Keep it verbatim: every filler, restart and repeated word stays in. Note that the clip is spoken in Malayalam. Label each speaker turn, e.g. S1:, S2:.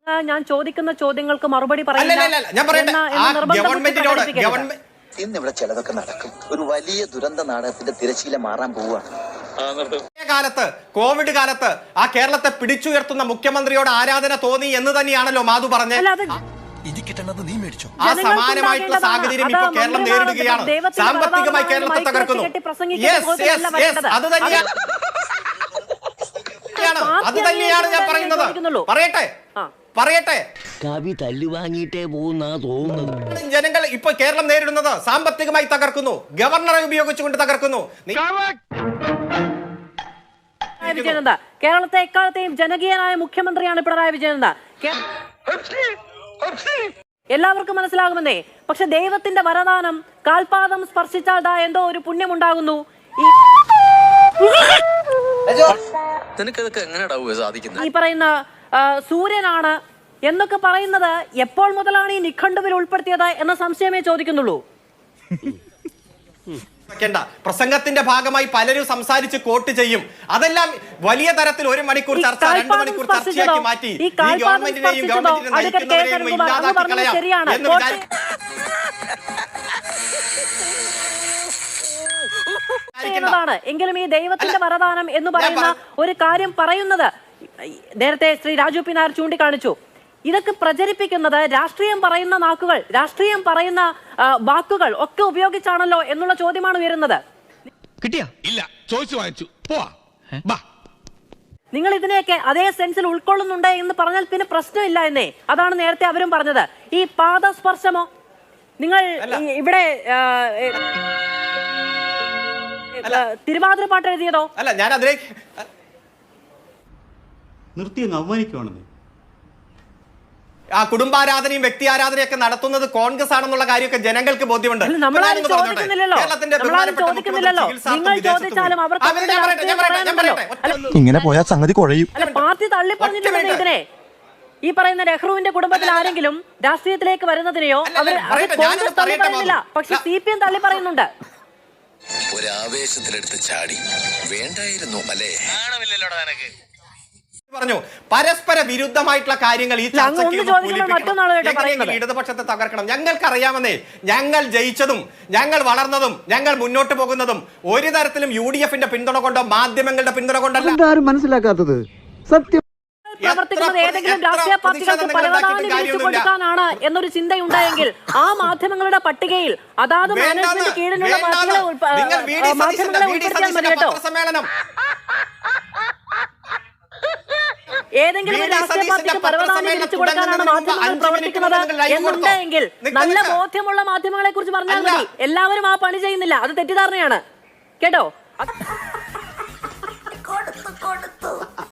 S1: ഞാൻ ചോദിക്കുന്ന ചോദ്യങ്ങൾക്ക് മറുപടി
S2: ഇന്നിവിടെ ചിലതൊക്കെ നടക്കും. ഒരു വലിയ ദുരന്ത നാടകത്തിന്റെ തിരശീല മാറാൻ പോവുകയാണ്.
S3: കാലത്ത് കോവിഡ് കാലത്ത് ആ കേരളത്തെ പിടിച്ചുയർത്തുന്ന മുഖ്യമന്ത്രിയോട് ആരാധന തോന്നി എന്ന് തന്നെയാണല്ലോ മാധു പറഞ്ഞത്. ആ സമാനമായിട്ടുള്ള സാഹചര്യം ഇപ്പൊ കേരളം നേരിടുകയാണ്. സാമ്പത്തികമായി കേരളത്തെ തകർക്കുന്നു. അത് തന്നെയാണ് അത് തന്നെയാണ് ഞാൻ പറയുന്നത്. പറയട്ടെ പറയട്ടെ
S4: കവി തല്ലു വാങ്ങിയിട്ടേ പോകുന്ന തോന്നുന്നത്.
S3: ജനങ്ങൾ ഇപ്പൊ കേരളം നേരിടുന്നത് സാമ്പത്തികമായി തകർക്കുന്നു, ഗവർണറെ ഉപയോഗിച്ചുകൊണ്ട് തകർക്കുന്നു.
S1: വിജയനന്ദ കേരളത്തെ എക്കാലത്തെയും ജനകീയനായ മുഖ്യമന്ത്രിയാണ് പിണറായി വിജയനന്ദ. എല്ലാവർക്കും മനസ്സിലാകുമെന്നേ. പക്ഷെ ദൈവത്തിന്റെ വരദാനം കാൽപാദം സ്പർശിച്ചാൽ ദാ എന്തോ ഒരു പുണ്യമുണ്ടാകുന്നു. ഈ പറയുന്ന സൂര്യനാണ് എന്നൊക്കെ പറയുന്നത് എപ്പോൾ മുതലാണ് ഈ നിഘണ്ടുവിൽ ഉൾപ്പെടുത്തിയത് എന്ന സംശയമേ ചോദിക്കുന്നുള്ളൂ.
S3: പ്രസംഗത്തിന്റെ ഭാഗമായി പലരും സംസാരിച്ച് കോട്ട് ചെയ്യും. അതെല്ലാം വലിയ തരത്തിൽ ഒരു മണിക്കൂർ ചർച്ച, രണ്ട് മണിക്കൂർ ചർച്ചയാക്കി മാറ്റി ഈ ഗവൺമെന്റിനെയും ഗവൺമെന്റിനെ നയിക്കുന്നവരെയും ഇല്ലാതാക്കി കളയാം എന്ന്
S1: ാണ് എങ്കിലും ഈ ദൈവത്തിന്റെ വരദാനം എന്ന് പറയുന്ന ഒരു കാര്യം പറയുന്നത് നേരത്തെ ശ്രീ രാജു പി നായർ ചൂണ്ടിക്കാണിച്ചു. ഇതൊക്കെ പ്രചരിപ്പിക്കുന്നത് രാഷ്ട്രീയം പറയുന്ന നാക്കുകൾ, രാഷ്ട്രീയം പറയുന്ന വാക്കുകൾ ഒക്കെ ഉപയോഗിച്ചാണല്ലോ എന്നുള്ള ചോദ്യമാണ് ഉയരുന്നത്. നിങ്ങൾ ഇതിനെയൊക്കെ അതേ സെൻസിൽ ഉൾക്കൊള്ളുന്നുണ്ട് എന്ന് പറഞ്ഞാൽ പിന്നെ പ്രശ്നമില്ല എന്നേ. അതാണ് നേരത്തെ അവരും പറഞ്ഞത്. ഈ പാദസ്പർശമോ നിങ്ങൾ ഇവിടെ തിരുവാതിര പാട്ട് എഴുതിയതോ
S3: അല്ല. ഞാൻ അതിലേക്ക്
S5: നിർത്തി അവമാനിക്കുവാണെന്ന്.
S3: ആ കുടുംബാരാധനയും വ്യക്തി ആരാധനയൊക്കെ നടത്തുന്നത് കോൺഗ്രസ് ആണെന്നുള്ള കാര്യമൊക്കെ ജനങ്ങൾക്ക് ബോധ്യമുണ്ട്.
S6: ഇങ്ങനെ പോയാൽ സംഗതി കുഴയും.
S1: പാർട്ടി തള്ളി പറഞ്ഞിട്ടുണ്ട് ഇതിനെ. ഈ പറയുന്ന നെഹ്റുവിന്റെ കുടുംബത്തിൽ ആരെങ്കിലും രാഷ്ട്രീയത്തിലേക്ക് വരുന്നതിനെയോ അവർ കോൺഗ്രസ് തള്ളി പറയുന്നില്ല, പക്ഷെ സി പി എം തള്ളി പറയുന്നുണ്ട്.
S2: ഒരാവേശത്തിലെടുത്ത് ചാടി വേണ്ടായിരുന്നു അല്ലേ?
S3: പറഞ്ഞു പരസ്പര വിരുദ്ധമായിട്ടുള്ള കാര്യങ്ങൾ ഈ ചർച്ചയ്ക്ക് ഇടതുപക്ഷത്തെ തകർക്കണം. ഞങ്ങൾക്ക് അറിയാമെന്നേ. ഞങ്ങൾ ജയിച്ചതും ഞങ്ങൾ വളർന്നതും ഞങ്ങൾ മുന്നോട്ട് പോകുന്നതും ഒരു തരത്തിലും യു ഡി എഫിന്റെ പിന്തുണ കൊണ്ടോ മാധ്യമങ്ങളുടെ പിന്തുണ കൊണ്ടല്ല.
S6: മനസ്സിലാക്കാത്തത് സത്യം.
S1: പ്രവർത്തിക്കുന്നത് ഏതെങ്കിലും രാഷ്ട്രീയ പാർട്ടികൾക്ക് പരവതാനി വിളിച്ചു കൊടുക്കാനാണ് എന്നൊരു ചിന്തയുണ്ടായെങ്കിൽ ആ മാധ്യമങ്ങളുടെ പട്ടികയിൽ അതാത് മാനേജ്മെന്റ് കീഴിലുള്ള മാധ്യമങ്ങളെ ഉൾപ്പെടുത്തിയാൽ മതി കേട്ടോ. ഏതെങ്കിലും രാഷ്ട്രീയ പാർട്ടിക്ക് പരവതാനി വിളിച്ചു കൊടുക്കാനാണ് മാധ്യമങ്ങൾ പ്രവർത്തിക്കുന്നത് എന്നുണ്ടെങ്കിൽ നല്ല ബോധ്യമുള്ള മാധ്യമങ്ങളെ കുറിച്ച് പറഞ്ഞാൽ മതി. എല്ലാവരും ആ പണി ചെയ്യുന്നില്ല, അത് തെറ്റിദ്ധാരണയാണ് കേട്ടോ.